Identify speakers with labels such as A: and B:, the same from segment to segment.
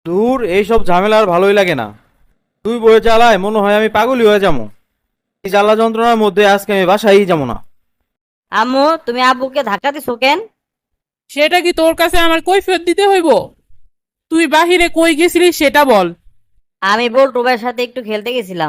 A: দূর এইসব ঝামেলা আর ভালোই লাগে না। তুই বয়ে চালায় মনে হয় আমি পাগলই হয়ে যাবো। এই জ্বালা যন্ত্রণার মধ্যে আজকে আমি বাসায়ই যাবো না।
B: আম্মু, তুমি আব্বুকে ধাক্কা দিছো কেন?
C: সেটা কি তোর কাছে আমার কৈফিয়ত দিতে হইব? তুই বাহিরে কই গেছিলি সেটা বল।
B: আমি বল্টু ভাইয়ের সাথে একটু খেলতে গেছিলাম।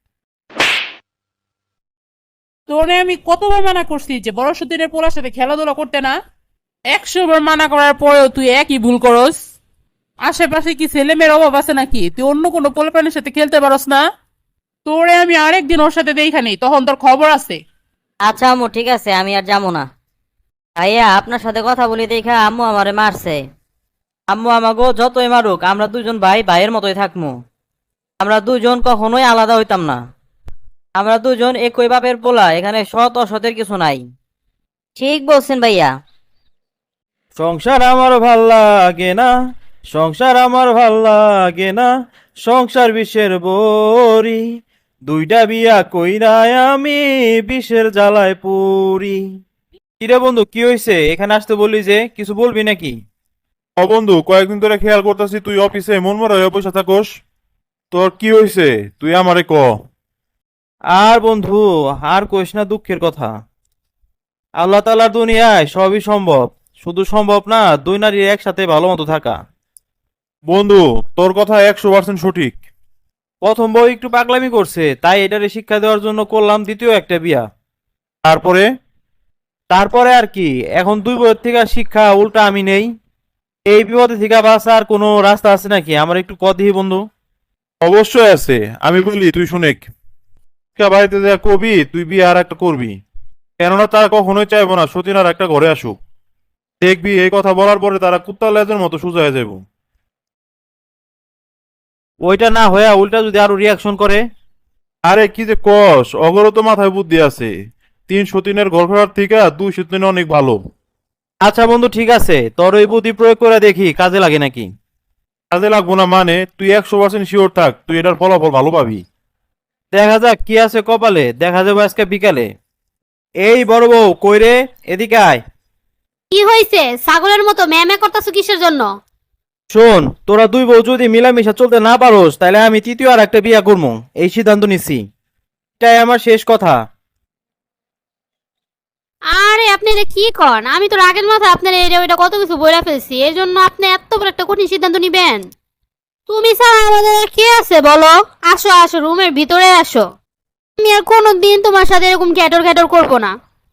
C: তোরে আমি কতবার মানা করছি যে বড় সতীনের পোলার সাথে খেলাধুলা করতে না? 100 বার মানা করার পরেও তুই একই ভুল করস। আশেপাশে কি ছেলে মেয়ের অভাব আছে নাকি তুই অন্য কোনো পোলাপানের সাথে খেলতে পারস না? তোরে আমি আরেকদিন ওর সাথে দেখা নেই, তখন তোর খবর আছে।
B: আচ্ছা আম্মু, ঠিক আছে, আমি আর যাবো না। ভাইয়া, আপনার সাথে কথা বলি দেখা আম্মু আমারে মারছে। আম্মু আমাগো যতই মারুক, আমরা দুজন ভাই ভাইয়ের মতোই থাকবো। আমরা দুজন কখনোই আলাদা হইতাম না। আমরা দুজন একই বাপের পোলা, এখানে সৎ অসতের কিছু নাই। ঠিক বলছেন ভাইয়া।
A: সংসার আমার ভাল লাগে না, সংসার আমার ভাল লাগে না, সংসার বিষের বড়ি, দুইটা বিয়া কইরায় আমি বিষের জ্বালায় পড়ি। কিরে বন্ধু, কি হয়েছে? এখানে আসতে বললি যে, কিছু বলবি নাকি?
D: বন্ধু, কয়েকদিন ধরে খেয়াল করতেছি তুই অফিসে মন মরা হয়ে বসে থাকোস। তোর কি হয়েছে তুই আমারে ক।
A: আর বন্ধু, আর কইস না দুঃখের কথা। আল্লাহ তাআলার দুনিয়ায় সবই সম্ভব, শুধু সম্ভব না দুই নারীর একসাথে ভালো মতো থাকা।
D: বন্ধু, তোর কথা 100% সঠিক।
A: প্রথম বউ একটু পাগলামি করছে, তাই এটারে শিক্ষা দেওয়ার জন্য করলাম দ্বিতীয় একটা বিয়া।
D: তারপরে?
A: তারপরে আর কি, এখন দুই বউয়ের থেকে শিক্ষা উল্টা আমি নেই। এই বিপদে থেকে বাঁচার কোনো রাস্তা আছে নাকি? আমার একটু দিহি বন্ধু।
D: অবশ্যই আছে, আমি বলি তুই শুনেক। বাড়িতে যা কবি তুই বিয়ে আর একটা করবি, কেননা তারা কখনোই চাইবো না সতীন আর একটা ঘরে আসুক। দেখবি এই কথা বলার পরে তারা কুত্তা লেজের মতো সোজা হয়ে যাবো।
A: ওইটা না হয়ে উল্টা যদি আরো রিয়াকশন করে।
D: আরে কি যে কস, অগরত মাথায় বুদ্ধি আছে। 3 সতীনের ঘর ফেরার থেকে 2 সতীন অনেক ভালো।
A: আচ্ছা বন্ধু, ঠিক আছে, তোর ওই বুদ্ধি প্রয়োগ করে দেখি কাজে লাগে নাকি।
D: কাজে লাগবো না মানে? তুই 100% শিওর থাক, তুই এটার ফলাফল ভালো পাবি।
A: দেখা যাক কি আছে কপালে, দেখা যাবে আজকে বিকালে। এই বড় বউ কই রে? এদিকে আয়।
E: কি হয়েছে? ছাগলের মতো ম্যামে করতেছো কিসের জন্য?
A: শোন, তোরা দুই বউ যদি মিলামিশা চলতে না পারোস তাহলে আমি তৃতীয় আর একটা বিয়া করবো, এই সিদ্ধান্ত নিছি। এটাই আমার শেষ কথা।
E: আরে আপনি এটা কি করেন? আমি তো রাগের মাথায় আপনার এটা ওইটা কত কিছু বইরা ফেলছি, এর জন্য আপনি এত বড় একটা কঠিন সিদ্ধান্ত নিবেন? তুমি ছাড়া আমাদের আর কে আছে বলো? আসো আসো, রুমের ভিতরে আসো। আমি আর কোনোদিন তোমার সাথে এরকম ঘ্যাটর ঘ্যাটর করবো না।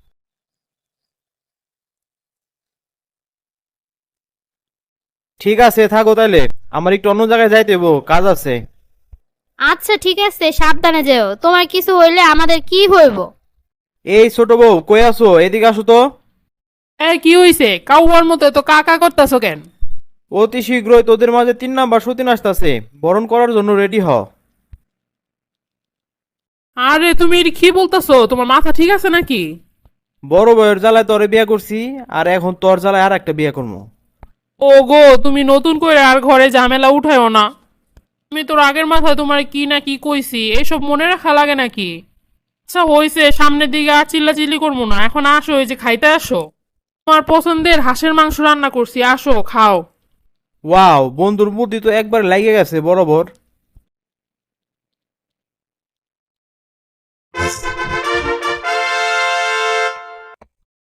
A: ঠিক আছে, থাকো তাইলে। আমার একটু অন্য জায়গায় যাইতে হইবো, কাজ আছে।
E: আচ্ছা ঠিক আছে, সাবধানে যেও। তোমার কিছু হইলে আমাদের কি হইব?
A: এই ছোট বউ কই আছো? এদিকে আসো তো।
C: কি হইছে? কাউয়ার মতো তো কাকা করতাছো কেন?
A: অতি শীঘ্রই তোদের মাঝে 3 নাম্বার সতীন আসতেছে, বরণ করার জন্য রেডি হ।
C: আরে তুমি এটা কি বলতাছো? তোমার মাথা ঠিক আছে নাকি?
A: বড় বউয়ের জ্বালায় তোরে বিয়া করছি, আর এখন তোর জ্বালায় আর একটা বিয়া করবো।
C: ও গো, তুমি নতুন করে আর ঘরে ঝামেলা উঠায়ও না। আমি তোর আগের মাথায় তোমার কি না কি কইছি, এসব মনে রাখা লাগে নাকি? আচ্ছা হইছে, সামনের দিকে আর চিল্লাচিল্লি করবো না। এখন আসো, এই যে খাইতে আসো। তোমার পছন্দের হাঁসের মাংস রান্না করছি, আসো খাও।
A: ওয়াও, বন্ধুর বুদ্ধি তো একবার লাগে গেছে বরাবর।